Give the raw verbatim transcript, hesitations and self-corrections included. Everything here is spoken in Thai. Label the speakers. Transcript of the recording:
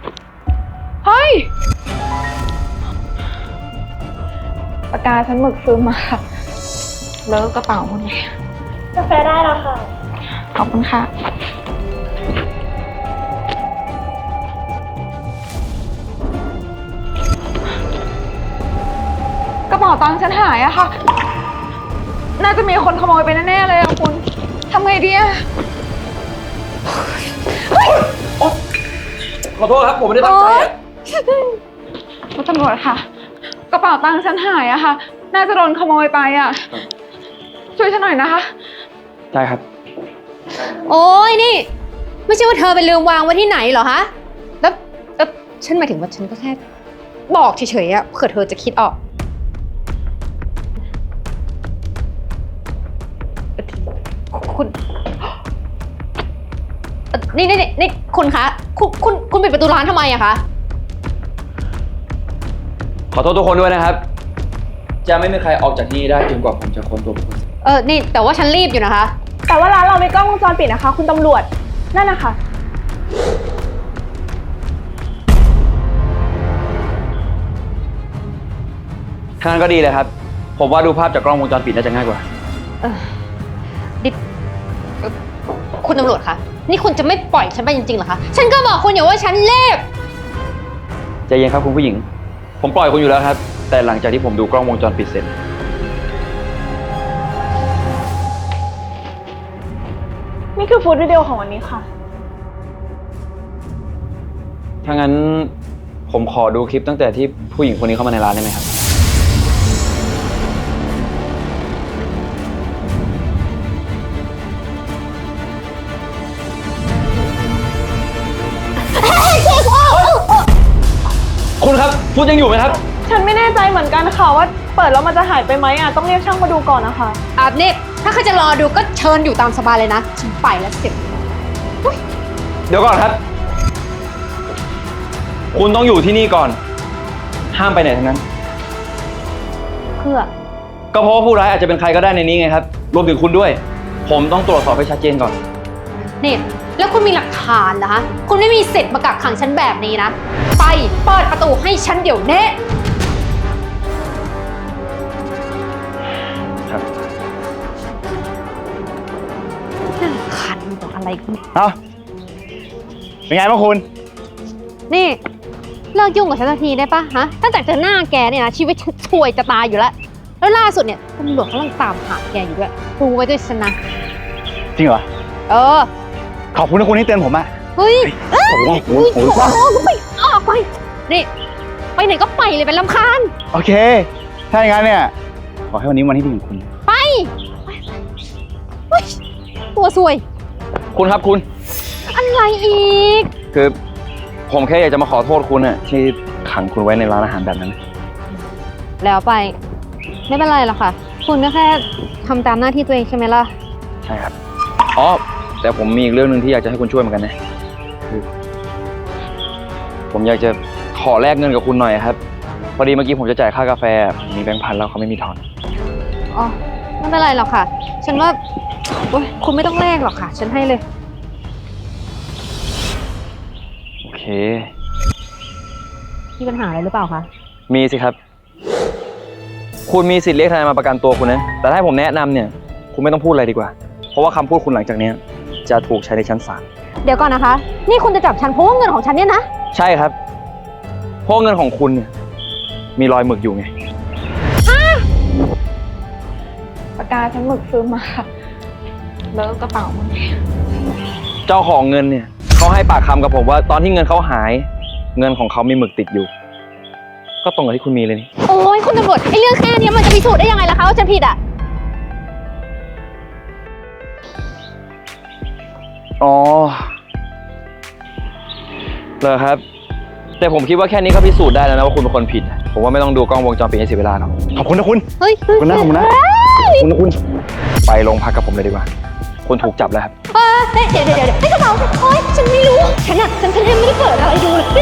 Speaker 1: เฮ้ยปากกาฉันหมึกซื้อมาเลอะกระเป๋าหมดเลยกาแฟได้แล้วค่ะขอบคุณค่ะกระเป๋าตังค์ฉันหายอะค่ะน่าจะมีคนขโมยไปแน่ๆเลยอะคุณทำไงดีอะ
Speaker 2: ขอโทษครับผมไม่ได้ตั้งใจอะ
Speaker 1: คุณตำรวจค่ะกระเป๋าตังค์ฉันหายอะค่ะน่าจะโดนขโมยไปอะช่วยฉันหน่อยนะคะ
Speaker 2: ได้ครับ
Speaker 3: โอ้ยนี่ไม่ใช่ว่าเธอไปลืมวางไว้ที่ไหนเหรอฮะแล้วแล้วฉันหมายถึงว่าฉันก็แค่บอกเฉยๆอะเผื่อเธอจะคิดออกคุณนี่นี่นี่คุณคะคุณคุณคุณปิดประตูร้านทำไมอะคะ
Speaker 2: ขอโทษทุกคนด้วยนะครับจะไม่มีใครออกจากที่นี่ได้จนกว่าผมจะค้นตัวคุณ
Speaker 3: เออนี่แต่ว่าฉันรีบอยู่นะคะ
Speaker 1: แต่ว่าร้านเรามีกล้องวงจรปิดนะคะคุณตำรวจนั่นนะคะ
Speaker 2: ทางนั้นก็ดีเลยครับผมว่าดูภาพจากกล้องวงจรปิดน่าจะง่ายกว่า
Speaker 3: เออดิคุณตำรวจคะนี่คุณจะไม่ปล่อยฉันไปจริงๆเหรอคะฉันก็บอกคุณอยู่ว่าฉันเล็บ
Speaker 2: ใจเย็นครับคุณผู้หญิงผมปล่อยคุณอยู่แล้วครับแต่หลังจากที่ผมดูกล้องวงจรปิดเสร็จ
Speaker 1: นี่คือฟุตวิดีโอของวันนี้ค่ะ
Speaker 2: ถ้างั้นผมขอดูคลิปตั้งแต่ที่ผู้หญิงคนนี้เข้ามาในร้านได้ไหมครับคุณครับฟุตยังอยู่ไหมครับ
Speaker 1: ฉันไม่แน่ใจเหมือนกันค่ะว่าเปิดแล้วมันจะหายไปไหมอ่ะต้องเรียกช่างมาดูก่อนนะคะ
Speaker 3: อาบเนบถ้าเขาจะรอดูก็เชิญอยู่ตามสบายเลยนะฉันไปแล้วเสร็จ
Speaker 2: เดี๋ยวก่อนครับคุณต้องอยู่ที่นี่ก่อนห้ามไปไหนทั้งนั้น
Speaker 3: เพื่อ
Speaker 2: ก็เพราะว่าผู้ร้ายอาจจะเป็นใครก็ได้ในนี้ไงครับรวมถึงคุณด้วยผมต้องตรวจสอบให้ชัดเจนก่อน
Speaker 3: นี่แล้วคุณมีหลักฐานเหรอฮะคุณไม่มีสิทธิ์มากักขังฉันแบบนี้นะไปเปิดประตูให้ฉันเดี๋ยวนี้
Speaker 2: ครับ
Speaker 3: ขันบอกอะไรคุณ
Speaker 2: เอ้าเป็นไงบ้างคุณ
Speaker 3: นี่เลิกยุ่งกับฉันสักทีได้ปะฮะตั้งแต่เจอหน้าแกเนี่ยนะชีวิตฉันช่วยจะตายอยู่แล้วแล้วล่าสุดเนี่ยตำรวจกำลังตามหาแกอยู่ด้วยดูไว้ด้วยฉันนะ
Speaker 2: จริงเหรอ
Speaker 3: เออ
Speaker 2: ขอบคุณนะคุณที่เตือนผมอะ
Speaker 3: เฮ้ย
Speaker 2: โอ้โหโอ้โห
Speaker 3: ไปออกไปนี่ไปไหนก็ไปเลยเป็นลำคาญ
Speaker 2: โอเคถ้าอย่างนั้นเนี่ยขอให้วันนี้วันที่ดีของคุณ
Speaker 3: ไปตัวซวย
Speaker 2: คุณครับคุณ
Speaker 3: อะไรอีก
Speaker 2: คือผมแค่อยากจะมาขอโทษคุณอะที่ขังคุณไว้ในร้านอาหารแบบนั้น
Speaker 3: แล้วไปไม่เป็นไรหรอกค่ะคุณก็แค่ทำตามหน้าที่ตัวเองใช่ไหมล่ะ
Speaker 2: ใช่ครับอ๋อแต่ผมมีอีกเรื่องหนึ่งที่อยากจะให้คุณช่วยเหมือนกันนะคือผมอยากจะขอแลกเงินกับคุณหน่อยครับพอดีเมื่อกี้ผมจะจ่ายค่ากาแฟมีแบงค์พันแล้วเขาไม่มีทอน
Speaker 3: อ๋อไม่เป็นไรหรอกค่ะฉันว่าโอ๊ยคุณไม่ต้องแลกหรอกค่ะฉันให้เลย
Speaker 2: โอเค
Speaker 3: มีปัญหาอะไรหรือเปล่าคะ
Speaker 2: มีสิครับคุณมีสิทธิ์เรียกทนายมาประกันตัวคุณนะแต่ถ้าให้ผมแนะนำเนี่ยคุณไม่ต้องพูดอะไรดีกว่าเพราะว่าคำพูดคุณหลังจากนี้จะถูกใช้ในชั้นศาล
Speaker 3: เดี๋ยวก่อนนะคะนี่คุณจะจับฉันเพราะว่าเงินของฉันเนี่ยนะ
Speaker 2: ใช่ครับเพราะเงินของคุณเนี่ยมีรอยหมึกอยู่ไง
Speaker 3: ฮะ
Speaker 1: ปากกาฉันหมึกซื้อมาเลอะกระเป๋าหมดเลย
Speaker 2: เจ้าของเงินเนี่ยเขาให้ปากคำกับผมว่าตอนที่เงินเขาหายเงินของเขามีหมึกติดอยู่ก็ตรงกับที่คุณมีเลยนี่
Speaker 3: โอ้ยคุณตำรวจไอ้เรื่องแค่นี้มันจะพิสูจน์ได้ยังไงล่ะคะว่าฉันผิดอ่ะ
Speaker 2: อ๋อเหรอครับแต่ผมคิดว่าแค่นี้ก็พิสูจน์ได้แล้วนะว่าคุณเป็นคนผิดผมว่าไม่ต้องดูกล้องวงจรปิดให้เสียเวลาหรอกขอบคุณนะคุณ
Speaker 3: เฮ้ย
Speaker 2: ขอบคุณนะขอบคุณนะขอบคุณนะคุณไปโรงพักกับผมเลยดีกว่าคุณถูกจับแล้วครับ
Speaker 3: เออเดี๋ยวเดี๋ยวเดี๋ยวให้กระเป๋าโอ๊ยฉันไม่รู้ฉันอ่ะฉันฉันไม่ได้เปิดอะไรดูเลย